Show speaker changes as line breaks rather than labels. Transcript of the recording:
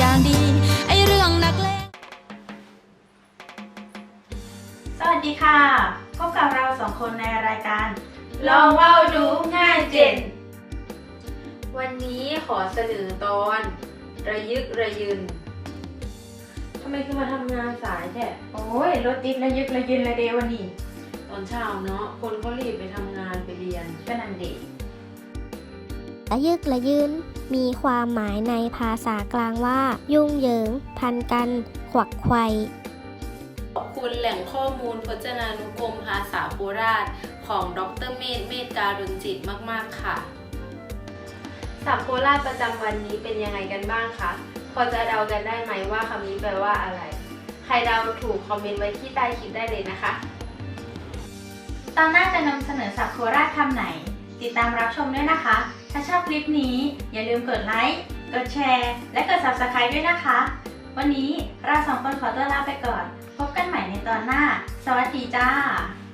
อย่างดีไอเรื่องนักเลง
สวัสดีค่ะพบกับเราสองคนในรายการ
ลองเว้าดูง่ายเจนวันนี้ขอเสนอตอนระยึกระยืนทำไมคือมาทำงานสายแท้
โอ้ยรถติดระยึกระยืนระเดวันนี้
ตอนเช้าเนาะคนเขารีบไปทำงานไปเรียน
ก็นั่นเด็ก
ระยึกระยืนมีความหมายในภาษากลางว่า ยุ่งเหยิง พันกัน ขวักไขว่
ขอบคุณแหล่งข้อมูลพจนานุกรมภาษาโคราชของดร.เมธการุณจิตมากๆค่ะศัพท์โคราชประจำวันนี้เป็นยังไงกันบ้างคะพอจะเดากันได้ไหมว่าคำนี้แปลว่าอะไรใครเดาถูกคอมเมนต์ไว้ที่ใต้คลิปได้เลยนะคะ
ตอนหน้าจะนำเสนอศัพท์โคราชคำไหนติดตามรับชมด้วยนะคะถ้าชอบคลิปนี้อย่าลืมกดไลค์กดแชร์และกด Subscribe ด้วยนะคะวันนี้เราสองคนขอตัวลาไปก่อนพบกันใหม่ในตอนหน้าสวัสดีจ้า